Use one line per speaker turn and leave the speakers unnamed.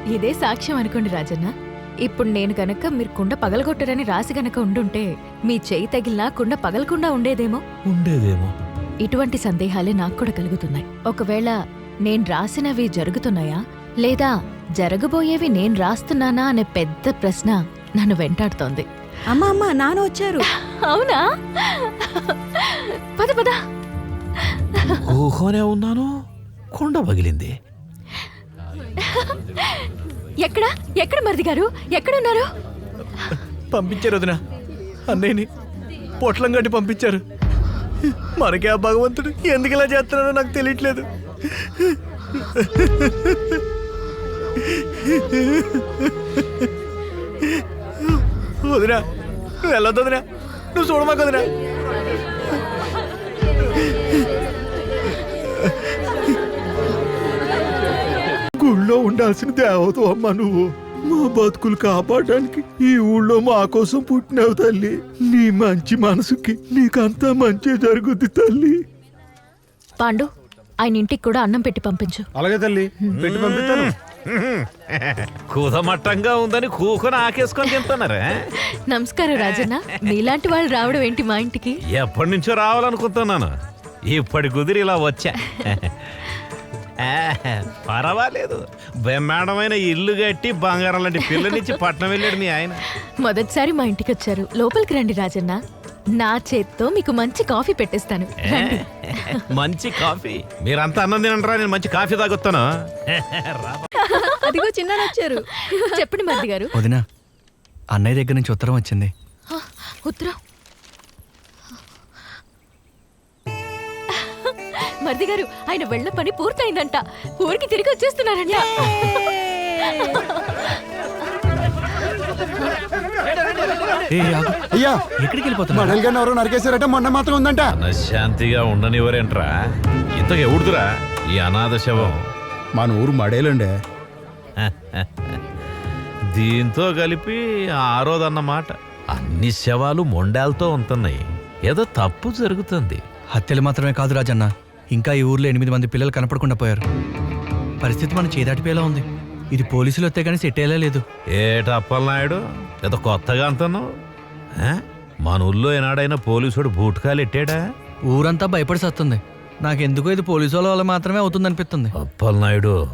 ఇదే సాక్ష్యం అనుకోండి రాజన్న. ఇప్పుడు నేను గనక మీరు కుండ పగలగొట్టరని రాసి గనక ఉండుంటే మీ చెయ్యి తగిలినా కుండ పగలకుండా ఉండేదేమో. ఇటువంటి సందేహాలే నాకు కూడా కలుగుతున్నాయి. ఒకవేళ నేను రాసినవి జరుగుతున్నాయా లేదా జరగబోయేవి నేను రాస్తున్నానా అనే పెద్ద ప్రశ్న నన్ను వెంటాడుతోంది.
అమ్మా అమ్మా నాన్న వచ్చారు.
అవునా? పద పద.
ఊహోనే ఉన్నాను, కొండ పగిలింది.
ఎక్కడ ఎక్కడ మరిది గారు ఎక్కడున్నారు?
పంపించారు వదినా, అన్నయ్యని పొట్లం కట్టి పంపించారు. మనకే ఆ భగవంతుడు ఎందుకు ఇలా చేస్తున్నాడో నాకు తెలియట్లేదు. వదినా నువ్వు వెళ్ళొద్దు వదినా, నువ్వు చూడమాక వదినా. గుళ్ళో ఉండాల్సిన దేవత అమ్మ నువ్వు. మా బతుకులు కాపాడడానికి ఈ ఊళ్ళో మా కోసం పుట్టినావు తల్లి. నీ మంచి మనసుకి నీకంతా మంచి జరుగుద్ది తల్లి.
పాండు, ఆయన ఇంటికి కూడా అన్నం పెట్టి పంపించు.
అలాగే తల్లి, పెట్టి పంపిస్తాను.
కుదమట్టంగా ఉందని కూకొని ఆకేసుకొని తింటున్నారా?
నమస్కారం రాజన్న. నీలాంటి వాళ్ళు రావడం ఏంటి మా ఇంటికి?
ఎప్పటి నుంచో రావాలనుకుంటున్నాను, ఇప్పటి కుదిరి ఇలా వచ్చా. పర్వాలేదు, బ్రహ్మాండమైన ఇల్లు కట్టి బంగారం లాంటి పిల్లనిచ్చి పట్నం వెళ్ళాడు మీ ఆయన.
మొదటిసారి మా ఇంటికి వచ్చారు. లోపలికి రండి రాజన్న. నా చేత్తో మీకు మంచి కాఫీ పెట్టేస్తాను. రండి.
మంచి కాఫీ? మీరంతా అన్నం తినంటారా, నేను మంచి కాఫీ తాగొస్తాను.
అదిగో చిన్న వచ్చారు.
చెప్పండి మరిది గారు.
వదినా, అన్నయ్య దగ్గర నుంచి ఉత్తరం వచ్చింది.
ఉత్తరం? మరిది గారు, ఆయన వెళ్ళ పని పూర్తయిందంట. ఊరికి తిరిగి వచ్చేస్తున్నారంట.
అయ్యా, ఎక్కడికి వెళ్ళిపోతున్నా?
ఎవరో నరికేశారట, మొన్న మాత్రం ఉందంట.
శాంతిగా ఉండనివ్వరేంట్రా? ఇంతకు ఎవడుదురా ఈ అనాథ శవం?
మన ఊరు మడేలండి.
దీంతో కలిపి ఆరోదన్నమాట. అన్ని శవాలు మొండాలతో ఉంటున్నాయి. ఏదో తప్పు జరుగుతుంది.
హత్యలు మాత్రమే కాదు రాజన్న, ఇంకా ఈ ఊర్లో 8 మంది పిల్లలు కనపడకుండా పోయారు. పరిస్థితి మన చేదాటిపోయేలా ఉంది. ఇది పోలీసులు వస్తే కానీ సెట్ అయ్యేలా లేదు.
ఏటప్పలనాయుడు, ఏదో కొత్తగా అంటున్నావు? మన ఊళ్ళో ఏనాడైనా పోలీసుడు బూట్కాలు ఎట్టాడా?
ఊరంతా భయపడి సత్తుంది. నాకెందుకో ఇది పోలీసు వాళ్ళ మాత్రమే అవుతుందనిపిస్తుంది.
అప్పలనాయుడు,